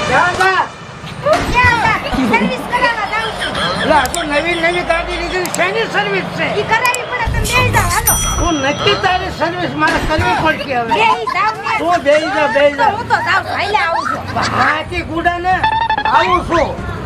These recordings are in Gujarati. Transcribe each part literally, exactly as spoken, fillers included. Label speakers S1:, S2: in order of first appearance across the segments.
S1: દાદા
S2: સર્વિસ કરાવવા જાઉં છું.
S1: લા તો નવી નવી ગાડી લીધી શેની સર્વિસ છે
S2: ઈ કરાવી પડે તમે બેહી જાઓ હાલો.
S1: હું નક્કી તારી સર્વિસ મારે કરવી પડશે હવે
S2: બેહી જાઓ ને.
S1: તું બેહી જા બેહી
S2: તો
S1: જા
S2: હું તો જાઉં છું. હાલે આવું છું.
S1: હાથી ગુડા ને આવું છું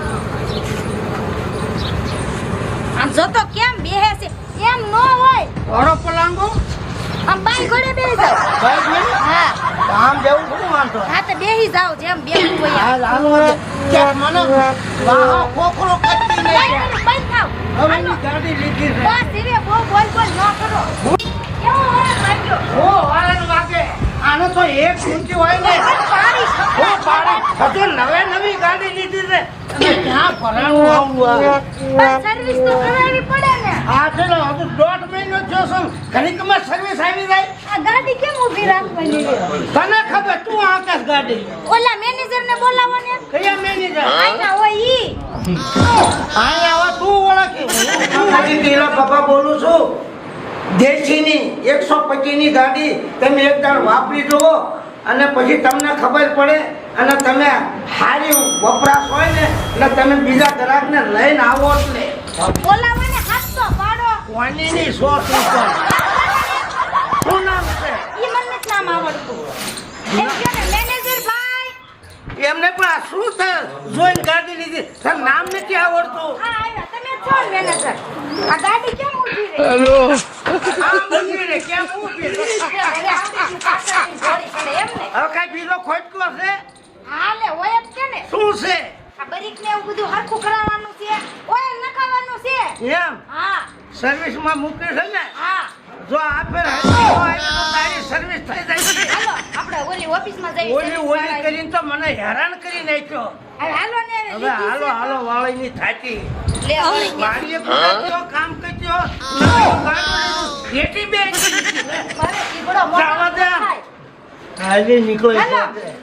S2: આમ જો તો કેમ બેહે છે એમ ન હોય.
S1: ઓરો પલાંગો
S2: આમ બાઈ ઘોડે બેહી જાઓ.
S1: ભાઈ ભાઈ
S2: હા
S1: આમ જેવું શું વાંધો
S2: હા તો બેહી જાઓ જેમ બેહવું હોય
S1: આ
S2: એમ.
S1: લાલો કે મને વાહ કોકરો કચ્ચી ને
S2: બાઈ ઘોડે બંધ થાવ.
S1: હવે ની ગાડી લીધી છે
S2: બસ ધીરે બહુ બોલ બોલ ન કરો. કેવો હોય માર્યો.
S1: ઓ વાળન વાગે આનો તો એક ઊંચી હોય ને
S2: પાડી
S1: ઓ પાડે હજુ નવે નવી ગાડી લીધી છે અને ક્યાં ભરાણું આવું આ
S2: બસ સર્વિસ તો કરાવવી પડે ને.
S1: આ ચલો હજુ દોઢ મહિનો થયો છે ઘડીકમાં સર્વિસ આવી જાય
S2: આ ગાડી કેમ ઊભી રાખવાની છે?
S1: તને ખબર તું આકાશ ગાડી
S2: ઓલા મેનેજર ને બોલાવો ને.
S1: કયા મેનેજર
S2: આઈના હોય ઈ.
S1: અહીંયા આવા તું ઓળખી હું હજી ટીલા પપ્પા બોલું છું દેશીની એકસો પચીસ ની ગાડી તમે એક દાડ વાપરી જુઓ અને પછી તમને ખબર પડે અને તમે સારી વપરાશ હોય ને એટલે તમે બીજા ગ્રાહકને લઈને આવો એટલે
S2: બોલાવો ને હાથ તો પાડો.
S1: વાણીની સો ઉપર શું નામ છે
S2: ઈ મને નથી નામ આવડતું. એમ કહો ને મેનેજર ભાઈ.
S1: એમને પણ આ શું છે જોઈને ગાડી લીધી તાર નામ નથી આવડતું
S2: આ આવ્યા તમે છો ને મેનેજર. આ ગાડી કેમ ઊભી રહી?
S1: આ મંદિર રે કેમ ઊભી રહી?
S2: હવે આવડી પાછળની જોડી પડે એમ ને.
S1: હવે કઈ બીજો ખોટકો છે
S2: હાલે હોય જ છે ને.
S1: શું છે
S2: આ બરીક ને એવું બધું હરખું કરાવવાનું છે. ઓઇલ નખાવાનું છે.
S1: એમ
S2: હા
S1: સર્વિસમાં મૂકે છે ને
S2: હા.
S1: જો આ ફેર હજી હોય તો તારી સર્વિસ થઈ જાય છે
S2: હાલો આપણે ઓલી ઓફિસમાં જઈએ.
S1: ઓલી ઓલી કરીને તો મને હેરાન કરી નાખ્યો
S2: હવે હાલો ને
S1: હવે હાલો હાલો વાળીની થાકી
S2: લે હવે
S1: મારીએ કુડાચ્યો કામ કર્યો નવી ગાડી જેટી બે
S2: મારે ઈગડો મોટો
S1: જાવા દે.
S2: થાય.
S1: હાલી નીકળે
S2: હાલો.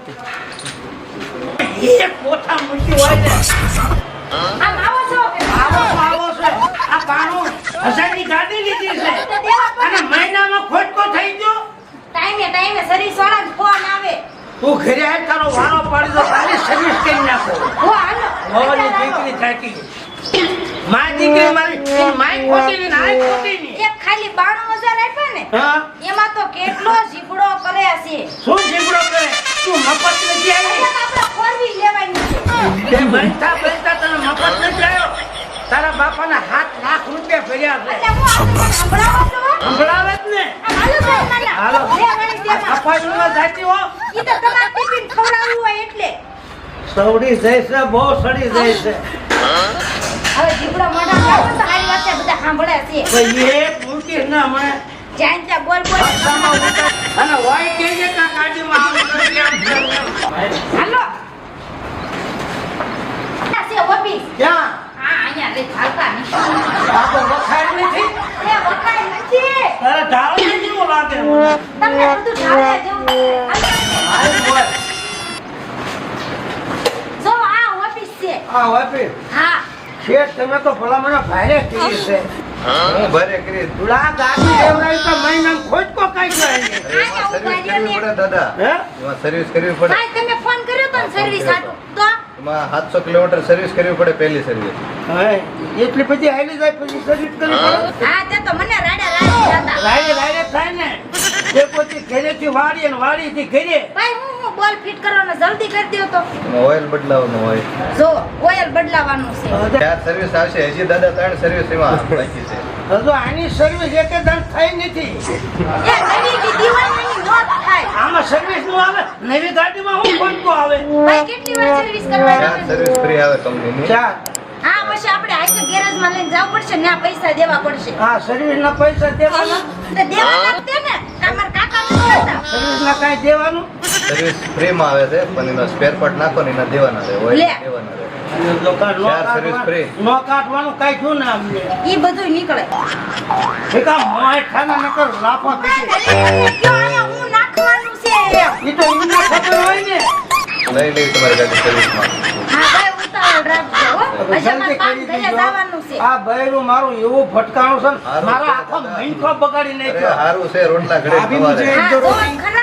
S1: છે એક કોઠા મૂકી હોય ને
S2: આમ આવો છો કે
S1: આવો તો આવો છે આ બાણું હજારની ગાડી લીધી છે
S2: તો દેવા પડે.
S1: અને મહિનામાં ખોટકો થઈ ગયો
S2: ટાઈમે ટાઈમે સર્વિસ વાળા જ ફોન આવે.
S1: તું ઘરે આય તારો વારો પાડી દો તારી સર્વિસ કરી નાખો
S2: હો હાલો
S1: હોવાની દીકરી થાકી મારી દીકરી મારી માઈ ખોટી ની નાઈ ખોટી ની
S2: એક ખાલી બાણું હજાર આપ્યા ને
S1: હા
S2: એમાં તો કેટલો ઝીપડો કરે છે.
S1: શું જીવડો કરે તું મફત નથી આવી
S2: એટલે આપણે ફોરવી લેવાની છે.
S1: તે બનતા બનતા તને મફત નથી આવ્યો તારા બાપાના હાથ લાખ રૂપિયા ભર્યા છે
S2: એટલે હું આપણે સંભળાવો છો.
S1: સંભળાવે જ ને
S2: આમ હાલો ભાઈ નાના.
S1: હાલો.
S2: લેવાની દેવા.
S1: અપાઈમાં જાતી હો
S2: ઈ તો તમારે ટિફિન ખવડાવવું હોય એટલે.
S1: સવડી જાય છે બહુ સડી જાય છે
S2: હવે ઝીપડો મોઢા લાવો તો હારી વાત છે બધા સાંભળે છે.
S1: ભાઈ એક મૂકી ના મને
S2: જ્યાં ત્યાં બોલ બોલ.
S1: અને હોય કે જે કા ગાડીમાં આવું કરી આમ તેમ.
S2: હાલો. આ છે ઓફિસ.
S1: ક્યાં
S2: હા અહીંયા રે હાલતા નહીં.
S1: આ તો વખાણ નથી
S2: એ વખાણ નથી.
S1: તારા ઢાળ કેવું લાગે મને
S2: તમને બધું ઢાળે જેવું છે.
S1: હાલ બોલ
S2: જો આ ઓફિસ છે.
S1: આ વાપી
S2: હા
S1: શેઠ તમે તો ભલા મને ભારે કરી છે
S3: હું ભરે કરી
S1: તુલા ગાડી લેવડાવી તો મહિનામાં ખોટકો કઈ જાય ને
S2: આયા
S3: સર્વિસ
S2: ઉભા રહ્યો
S3: કરવી
S2: ને.
S3: પડે દાદા
S1: હે
S3: એમાં સર્વિસ કરવી પડે
S2: ભાઈ તમે ફોન કર્યો તો ને સર્વિસ આટું તો
S3: એમાં સાતસો કિલોમીટર સર્વિસ કરવી પડે પહેલી સર્વિસ
S1: હા એટલી બધી હાલી જાય પછી સર્વિસ કરવી પડે
S2: હા તે તો મને રાડા રાડી હતા.
S1: રાડે રાડે થાય ને તે પછી ઘરેથી વાળી અને વાળીથી ઘરે
S2: ભાઈ હું હું બોલ ફિટ કરવાનો જલ્દી કરી દ્યો તો.
S3: એમાં ઓઇલ બદલાવવાનું હોય
S2: જો ઓઇલ બદલાવાનું છે.
S3: ચાર સર્વિસ આવશે હજી દાદા ત્રણ સર્વિસ એમાં બાકી છે
S1: હજુ આની સર્વિસ એક દંડ થઈ નથી
S2: એ નવી દીદી હોય ને એની નોટ થાય.
S1: આમાં સર્વિસ નું આવે નવી ગાડીમાં હું ખોટકો આવે
S2: ભાઈ કેટલી વાર સર્વિસ
S3: ચાર
S2: કરવાની?
S3: સર્વિસ ફ્રી આવે કંપનીની
S1: ચાર
S2: હા પછી આપણે આઈકે ગેરેજ માં લઈને જવું પડશે ને આ પૈસા દેવા પડશે.
S1: હા સર્વિસ ના પૈસા દેવાના
S2: તો દેવાના જ તે ને તમાર કાકા નથી હતા.
S1: સર્વિસ ના કઈ દેવાનું
S3: સર્વિસ ફ્રી માં આવે છે પણ એનો સ્પેર પાર્ટ નાખો ને એના દેવાના રહે ઓઇલ
S2: લે.
S3: દેવાના રહે
S1: અને દુકાન નો
S3: ચાર સર્વિસ ફ્રી.
S1: કાઢવાનું- નો કાઢવાનું કઈ થયું ને અમને
S2: ઈ બધું નીકળે.
S1: એક આ મોય ખાના નકર લાફા
S2: ભાઈ,
S1: પીટી
S2: તમે કયો અહીંયા હું નાખવાનું છે એમ.
S1: ઈ તો એમને ખબર હોય ને
S3: લઈ લઈ તમારી ગાડી સર્વિસમાં
S2: હા ભાઈ ઉતાવળ રાખજો હો. પછી અમારે કામ ઘરે જવાનું છે.
S1: આ બૈરું મારું એવું ભટકાણું છે ને,
S3: હારું
S1: મારા
S3: છે
S1: આખો
S3: દાદા.
S1: મહિનો બગાડી
S3: અરે
S1: નાખ્યો
S3: હારું છે રોટલા ઘડે સવારે
S2: હા જો ખરા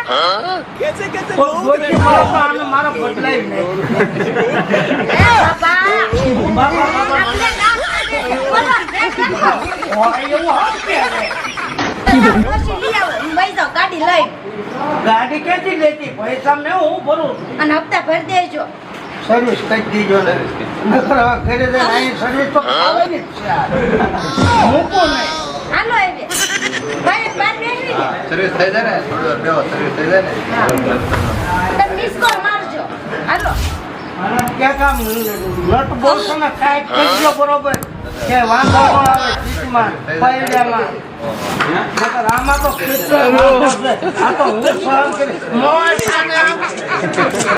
S1: કોઈ ડોશી મળે તો આને મારા બદલાય નહીં.
S2: એ બાપા
S1: બાપા, બાપા,
S2: આપણે કામ કરે છે. બોલો, બ્રેક રાખો.
S1: ઓય, એવું હશે હવે.
S2: ડોશી લઈ આવો, હું વઈ જાઉં ગાડી લઈ
S1: ગાડી ક્યાંથી લેતી? પૈસા ને હું ભરું છું.
S2: અને હપ્તા ભરી દેજો.
S1: સર્વિસ કરી દીજો ને. નકર હવે ઘરે જઈને અહીં સર્વિસ તો ખાવાની જ છે આ. મૂકો નહીં.
S2: હાલો હવે ભાઈ બાર બેસી ને
S3: સર્વિસ થઈ જાય ને થોડી વાર બેહો સર્વિસ થઈ જાય ને
S2: તમે મિસ કોલ મારજો. હાલો
S1: અને ક્યાંક આમ નટ બોલશો ને કાંઈક કરજો બરોબર કે વાંધો ન આવે સીટમાં પૈડામાં. નકર આમાં તો કેટલો વાંધો છે. આ તો હું સહન કરી મોય સાને આમ.